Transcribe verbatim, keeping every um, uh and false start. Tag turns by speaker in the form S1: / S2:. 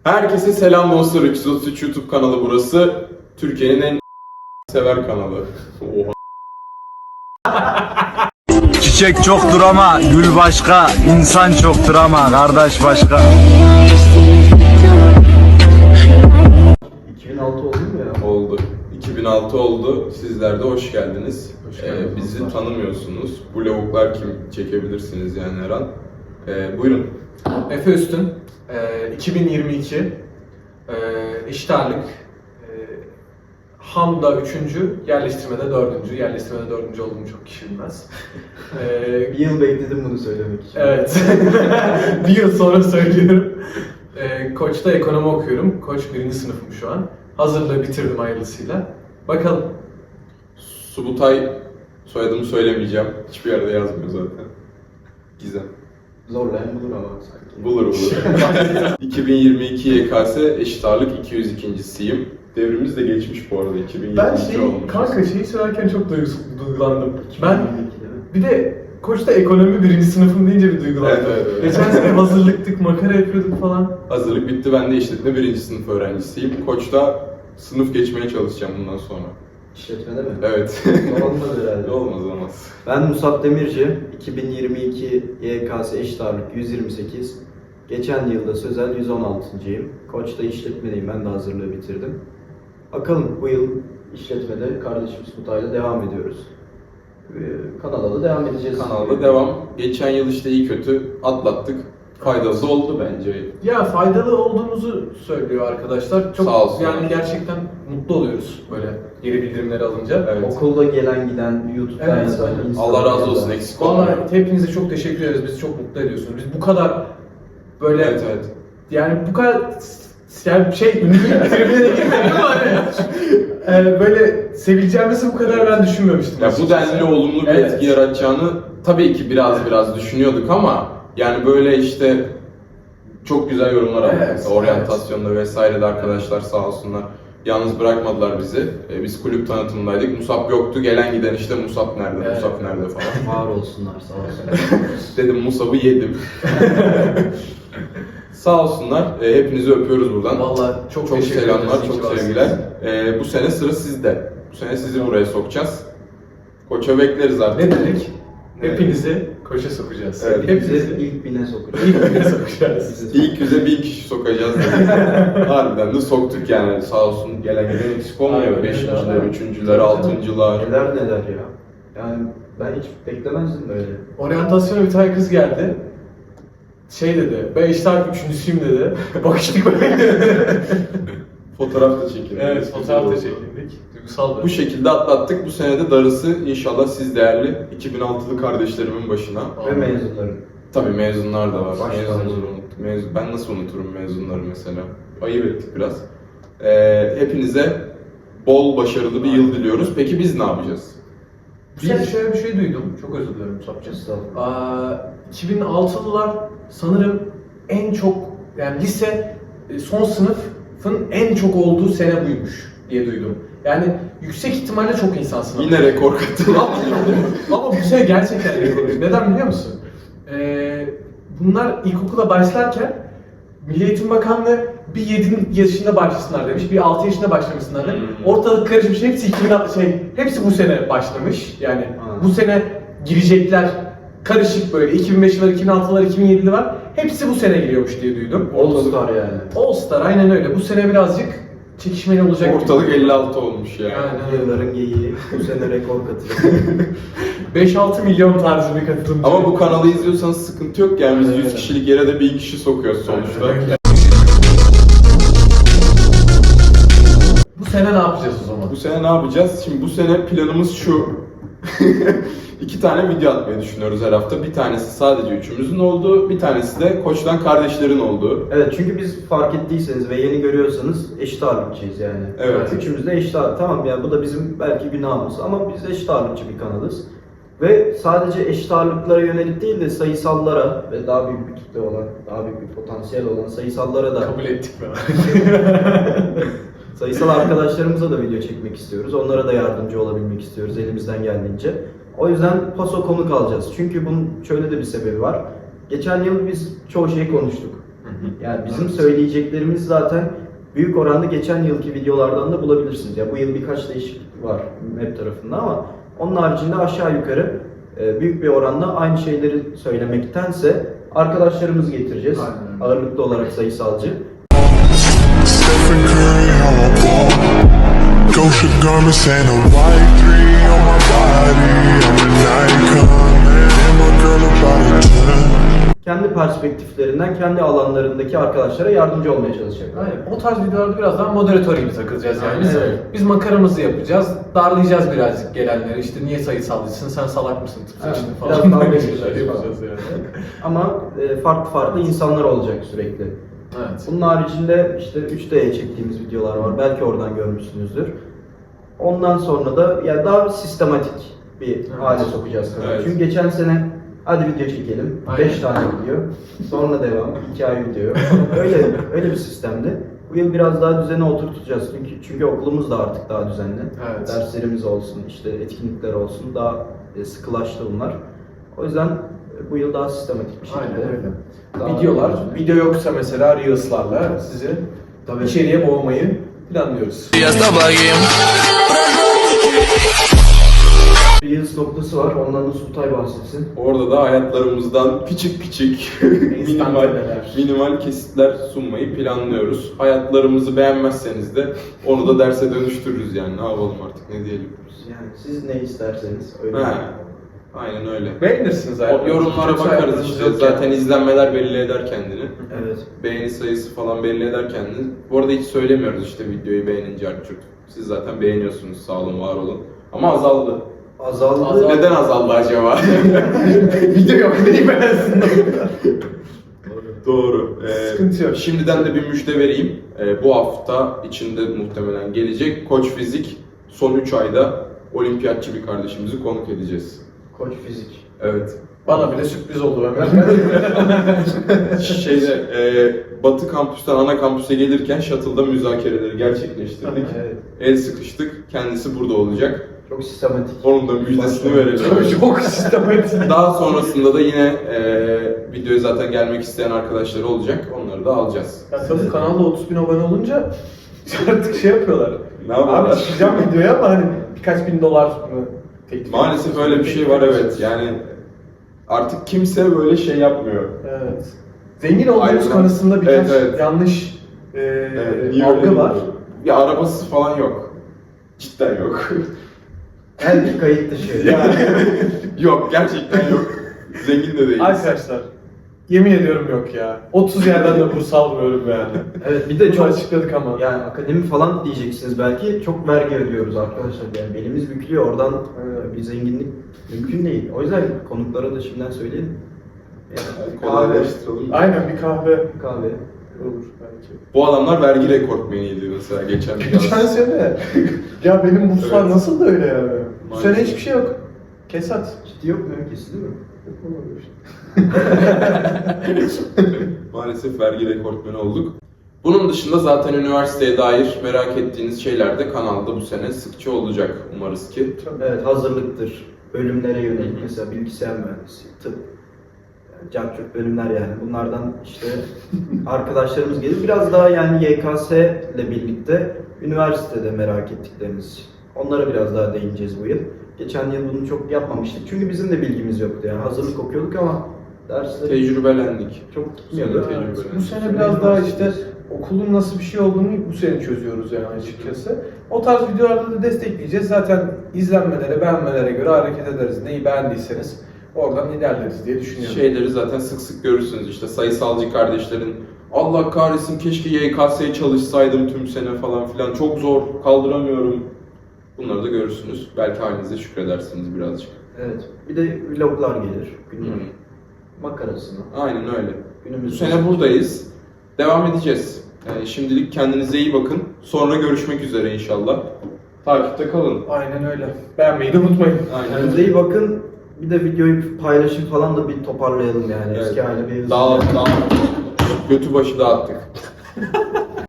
S1: Herkese selam dostlar. üç yüz otuz üç YouTube kanalı burası. Türkiye'nin en sever kanalı. Oha.
S2: Çiçek çoktur ama gül başka, insan çoktur ama kardeş başka.
S3: iki bin altı oldu mu ya?
S1: Oldu. iki bin altı oldu. Sizler de hoş geldiniz.
S3: Hoş geldiniz
S1: Ee, bizi
S3: dostlar.
S1: tanımıyorsunuz. Bu lavuklar kim çekebilirsiniz yani her an. Ee, buyurun.
S4: Efe Üstün, e, iki bin yirmi iki, e, eşit ağırlık, e, Ham'da üçüncü, yerleştirmede dördüncü. Yerleştirmede dördüncü olduğumu çok kişi bilmez. E,
S3: Bir yıl bekledim bunu söylemek için.
S4: evet, bir yıl sonra söylüyorum. E, Koç'ta ekonomi okuyorum. Koç birinci sınıfım şu an. Hazırlığı bitirdim hayırlısıyla. Bakalım.
S1: Subutay, soyadımı söylemeyeceğim. Hiçbir yerde yazmıyor zaten. Gizem.
S3: Zorlayan bulur ama sanki.
S1: Bulur bulur. iki bin yirmi iki Y K S eşit ağırlık iki yüz ikincisiyim. Devrimiz de geçmiş bu arada. iki bin yirmi iki
S4: Ben şey,
S1: olmuş.
S4: kanka şeyi söylerken çok duygus- duygulandım. Ben
S3: iki bin yirmi ikide mi?
S4: bir de Koç'ta ekonomi birinci sınıfım deyince bir duygulandım.
S1: Evet, evet, evet.
S4: Geçen sene hazırlıktık, makara yapıyorduk falan.
S1: Hazırlık bitti. Ben de işletme birinci sınıf öğrencisiyim. Koç'ta sınıf geçmeye çalışacağım bundan sonra.
S3: İşletmede mi?
S1: Evet.
S3: Olmaz herhalde.
S1: olmaz olmaz.
S3: Ben Musab Demirci, iki bin yirmi iki Y K S eşit ağırlık yüz yirmi sekiz. Geçen yılda sözel yüz on altıncıyım. Koç'ta işletmedeyim, ben de hazırlığı bitirdim. Bakalım bu yıl işletmede kardeşimiz Kutay'la devam ediyoruz. Ee, Kanala da devam edeceğiz.
S1: Kanalda devam. Geçen yıl işte iyi kötü atlattık. Faydalı da oldu bence.
S4: Ya faydalı olduğumuzu söylüyor arkadaşlar. Çok
S1: Sağ olsun.
S4: yani gerçekten mutlu oluyoruz böyle geri bildirimleri alınca.
S1: Evet.
S3: Okulda gelen giden, YouTube'dan
S4: Evet,
S3: yazan,
S4: evet.
S3: Instagram'dan.
S1: Allah razı olsun, eksik olmayın.
S4: Vallahi hepinize çok teşekkür ederiz. Bizi çok mutlu ediyorsunuz. Biz bu kadar böyle
S1: Evet evet.
S4: yani bu kadar yani şey ünlülük tribüne de girmedim ama yani, böyle sevileceğimizi bu kadar ben düşünmemiştim.
S1: Ya bu
S4: açıkçası.
S1: denli olumlu bir
S4: Evet.
S1: etki yaratacağını tabii ki biraz biraz düşünüyorduk ama yani böyle işte çok güzel yorumlar aldık.
S4: Evet,
S1: Mesela oryantasyonda vesaire de arkadaşlar sağ olsunlar. Yalnız bırakmadılar bizi. Ee, biz kulüp tanıtımındaydık. Musab yoktu. Gelen giden işte Musab nerede,
S4: Evet.
S1: Musab nerede falan.
S3: Var olsunlar, sağ olsunlar.
S1: Dedim Musab'ı yedim. Sağ olsunlar. Ee, hepinizi öpüyoruz buradan.
S4: Vallahi çok,
S1: Çok
S4: teşekkür
S1: selamlar,
S4: ederiz. İyi ki
S1: çok
S4: varsınız.
S1: sevgiler. Ee, bu sene sıra sizde. Bu sene sizi buraya sokacağız. Koça bekleriz artık.
S4: Ne dedik?
S1: Evet.
S4: Hepinizi koşa sokacağız.
S1: Evet.
S4: Hepinizi
S3: Hepimizi ilk bine sokacağız.
S4: ilk bine sokacağız.
S1: İlk yüze bir kişi sokacağız dedik. Harbiden de soktuk yani. Sağ olsun gelen giden eksik olmuyor.
S4: Aynen,
S1: Beşinciler,
S4: aynen.
S1: üçüncüler, altıncılar.
S3: Neler neler ya. Yani ben hiç beklemezdim böyle.
S4: Oryantasyona bir tane kız geldi. Şey dedi, ben işte artık üçüncüsüyüm dedi. Bakıştık böyle.
S1: Fotoğraf da çekildi.
S4: Evet, fotoğraf da çekildik. Duygusal
S1: Bu şekilde atlattık. Bu sene de darısı inşallah siz değerli iki bin altılı kardeşlerimin başına.
S3: Ve mezunların.
S1: Tabii mezunlar da var.
S3: Başta
S1: Mezunları
S3: mezun.
S1: unut- mezun. Ben nasıl unuturum mezunları mesela? Ayıp ettik biraz. Ee, hepinize bol başarılı bir yıl diliyoruz. Peki biz ne yapacağız?
S4: Bu sene şöyle bir şey duydum, çok özür dilerim Musab'cığım.
S3: Estağfurullah.
S4: Aa, iki bin altılılar sanırım en çok, yani lise e, son sınıfın en çok olduğu sene buymuş diye duydum. Yani yüksek ihtimalle çok insan sınavı.
S1: Yine rekor katıldı.
S4: Ama bu sene gerçekten rekor. Neden biliyor musun? Ee, bunlar ilkokula başlarken Milli Eğitim Bakanlığı bir yedi yaşında başlasınlar demiş, bir altı yaşında başlamışsınlar demiş.
S1: Hmm.
S4: Ortalık karışmış, hepsi iki bin şey, hepsi bu sene başlamış. Yani
S3: Ha.
S4: bu sene girecekler karışık böyle. iki bin beşli var, iki bin altılı var, iki bin yedili var. Hepsi bu sene giriyormuş diye duydum.
S3: All Star yani.
S4: All Star aynen öyle. Bu sene birazcık çekişmeli olacak.
S1: Ortalık elli altı olmuş yani.
S4: Yani
S3: Yılların geyiği. Bu sene rekor katılıyor.
S4: beş altı milyon tarzı bir katılımcı.
S1: Ama bu kanalı izliyorsanız sıkıntı yok yani biz yüz
S4: Evet.
S1: kişilik yere de bin kişi sokuyoruz sonuçta.
S4: Evet. Bu sene ne yapacağız o zaman?
S1: Bu sene ne yapacağız? Şimdi bu sene planımız şu. İki tane video atmayı düşünüyoruz her hafta. Bir tanesi sadece üçümüzün olduğu, bir tanesi de Koç'tan kardeşlerin olduğu.
S3: Evet, çünkü biz fark ettiyseniz ve yeni görüyorsanız eşit ağırlıkçıyız yani.
S1: Evet.
S3: Üçümüz de eşit ağırlık. Tamam ya, bu da bizim belki günahımız ama biz eşit ağırlıkçı bir kanalız. Ve sadece eşit ağırlıklara yönelik değil de sayısallara ve daha büyük bir kitle olan, daha büyük bir potansiyel olan sayısallara da
S4: Kabul ettik mi?
S3: sayısal arkadaşlarımıza da video çekmek istiyoruz. Onlara da yardımcı olabilmek istiyoruz elimizden geldiğince. O yüzden paso konuk alacağız. Çünkü bunun şöyle de bir sebebi var. Geçen yıl biz çoğu şeyi konuştuk. Yani bizim söyleyeceklerimiz zaten büyük oranda geçen yılki videolardan da bulabilirsiniz. Ya bu yıl birkaç değişiklik var web tarafında ama onun haricinde aşağı yukarı e, büyük bir oranda aynı şeyleri söylemektense arkadaşlarımızı getireceğiz.
S4: Aynen.
S3: Ağırlıklı olarak sayısalcı.
S5: Stephen Curry, how I ball. Gosha garments and a white three on my body. I'm an icon, man. And my girl about a ten.
S3: Kendi perspektiflerinden, kendi alanlarındaki arkadaşlara yardımcı olmaya çalışacaklar.
S4: Aynen. O tarz videolarda biraz daha moderatör gibi takılacağız yani. Biz,
S3: Evet.
S4: biz makaramızı yapacağız, darlayacağız birazcık gelenleri. İşte niye sayısalcısın, sen salak mısın tıpkı
S3: Evet,
S4: işte
S3: biraz
S4: falan.
S3: dalga
S4: Böyle
S3: geçeceğiz
S4: şeyler
S3: falan.
S4: yapacağız yani.
S3: Ama e, farklı farklı insanlar olacak sürekli.
S4: Evet.
S3: Bunun haricinde işte üç D'ye çektiğimiz videolar var. Belki oradan görmüşsünüzdür. Ondan sonra da ya daha sistematik bir hale sokacağız kanalı.
S1: Evet.
S3: Çünkü geçen sene hadi video çekelim.
S4: Aynen.
S3: beş tane video. Sonra devam. iki ay video. Öyle öyle bir sistemdi. Bu yıl biraz daha düzene oturtacağız. Çünkü çünkü okulumuz da artık daha düzenli.
S4: Evet.
S3: Derslerimiz olsun, işte etkinlikler olsun daha e, sıkılaştı bunlar. O yüzden e, bu yıl daha sistematik bir şekilde.
S4: Aynen öyle.
S3: daha
S4: Videolar,
S3: düzenli.
S4: video yoksa mesela Reels'larla sizi
S3: Tabii.
S4: içeriye boğmayı planlıyoruz.
S3: Reels noktası var. Ondan da Sultay bahsetsin.
S1: Orada da hayatlarımızdan küçük küçük minimal,
S4: Enstantaneler.
S1: minimal kesitler sunmayı planlıyoruz. Hayatlarımızı beğenmezseniz de onu da derse dönüştürürüz yani. Ne yapalım artık, ne diyelim.
S3: Yani siz ne isterseniz öyle.
S1: He, aynen öyle.
S4: Beğenirsiniz
S1: O
S4: zaten.
S1: yorumlara
S4: Kötü
S1: bakarız
S4: hayatınız
S1: işte.
S4: yok
S1: Zaten
S4: yani.
S1: izlenmeler belli eder kendini.
S3: Evet.
S1: Beğeni sayısı falan belli eder kendini. Bu arada hiç söylemiyoruz işte videoyu beğenince artık. Siz zaten beğeniyorsunuz, sağ olun, var olun. Ama azaldı.
S3: Azaldı.
S4: Azaldı.
S1: Neden azaldı acaba?
S4: Video yok, neyi beğensin?
S1: Doğru. Ee,
S4: Sıkıntı yok.
S1: Şimdiden de bir müjde vereyim. Ee, bu hafta içinde muhtemelen gelecek. Koç Fizik son üç ayda olimpiyatçı bir kardeşimizi konuk edeceğiz.
S3: Koç fizik.
S1: Evet.
S4: Bana bile sürpriz oldu Ömer.
S1: Şeyde e, Batı kampüsten ana kampüse gelirken shuttle'da müzakereleri gerçekleştirdik.
S3: Evet.
S1: El sıkıştık. Kendisi burada olacak.
S3: Çok sistematik.
S1: Onun da müjdesini verelim.
S4: Çok sistematik.
S1: Daha sonrasında da yine e, videoya zaten gelmek isteyen arkadaşları olacak. Onları da alacağız.
S4: Ya tabii kanalda otuz bin abone olunca artık şey yapıyorlar.
S1: Ne
S4: Abi
S1: yapalım?
S4: çıkacağım videoya ama hani birkaç bin dolar mı teklif
S1: Maalesef
S4: ediyorsunuz?
S1: öyle bir şey var, evet. Yani artık kimse böyle şey yapmıyor.
S4: Evet. Zengin olduğumuz
S1: Ayrılan-
S4: konusunda birkaç
S1: Evet, evet.
S4: yanlış e,
S1: Evet, niye
S4: algı
S1: öyle
S4: var.
S1: diyor? Ya arabası falan yok. Cidden yok.
S3: Belki kayıt dışı.
S1: Yani yok, gerçekten yok. Zengin de değiliz.
S4: Arkadaşlar yemin ediyorum yok ya. otuz yerden de burs almıyorum yani.
S3: Evet bir de
S4: Bunu
S3: çok
S4: açıkladık ama.
S3: yani akademi falan diyeceksiniz belki çok vergi ödüyoruz arkadaşlar yani belimiz bükülüyor oradan
S4: Evet.
S3: bir zenginlik mümkün değil. O yüzden konuklara da şimdiden söyleyelim. Yani kahve,
S1: Kolaylaştıralım.
S4: Aynen bir kahve
S3: kahve.
S4: olur belki.
S1: Bu adamlar vergi rekortmeniydi mesela geçen
S4: Geçen
S1: yaz.
S4: sene ya benim burslar
S1: Evet.
S4: nasıl da öyle ya? Bu
S1: Maalesef.
S4: sene hiçbir şey yok. Kesat.
S3: Ciddi yok mu? Kesildi mi?
S1: Maalesef vergi rekortmeni olduk. Bunun dışında zaten üniversiteye dair merak ettiğiniz şeyler de kanalda bu sene sıkça olacak umarız ki.
S3: Evet hazırlıktır. Bölümlere yönelik mesela bilgisayar mühendisi, tıp, yani cart bölümler yani. Bunlardan işte arkadaşlarımız gelir. Biraz daha yani Y K S ile birlikte üniversitede merak ettiklerimiz. Onlara biraz daha değineceğiz bu yıl. Geçen yıl bunu çok yapmamıştık. Çünkü bizim de bilgimiz yoktu yani. Hazırlık okuyorduk ama dersleri
S1: Tecrübelendik.
S3: çok gitmiyordu.
S1: Sene
S4: Evet,
S1: tecrübelendik.
S4: bu sene biraz daha işte okulun nasıl bir şey olduğunu bu sene çözüyoruz yani açıkçası. O tarz videolarda da destekleyeceğiz. Zaten izlenmelere, beğenmelere göre hareket ederiz. Neyi beğendiyseniz oradan ilerleriz diye düşünüyorum.
S1: Şeyleri zaten sık sık görürsünüz işte sayısalcı kardeşlerin Allah kahretsin keşke Y K S'ye çalışsaydım tüm sene falan filan çok zor kaldıramıyorum. Bunları da görürsünüz. Belki halinize şükredersiniz birazcık.
S3: Evet. Bir de vloglar gelir. Günlük
S1: Hı.
S3: makarasına.
S1: Aynen öyle. Bu
S3: Günümüz
S1: sene buradayız. Devam edeceğiz. Yani şimdilik kendinize iyi bakın. Sonra görüşmek üzere inşallah. Takipte kalın.
S4: Aynen öyle. Beğenmeyi de unutmayın.
S1: Aynen.
S3: Kendinize iyi bakın. Bir de videoyu paylaşın falan da bir toparlayalım yani.
S1: Evet.
S3: Eski hale bir hızlı.
S1: Dağ, dağ, götü başı dağıttık.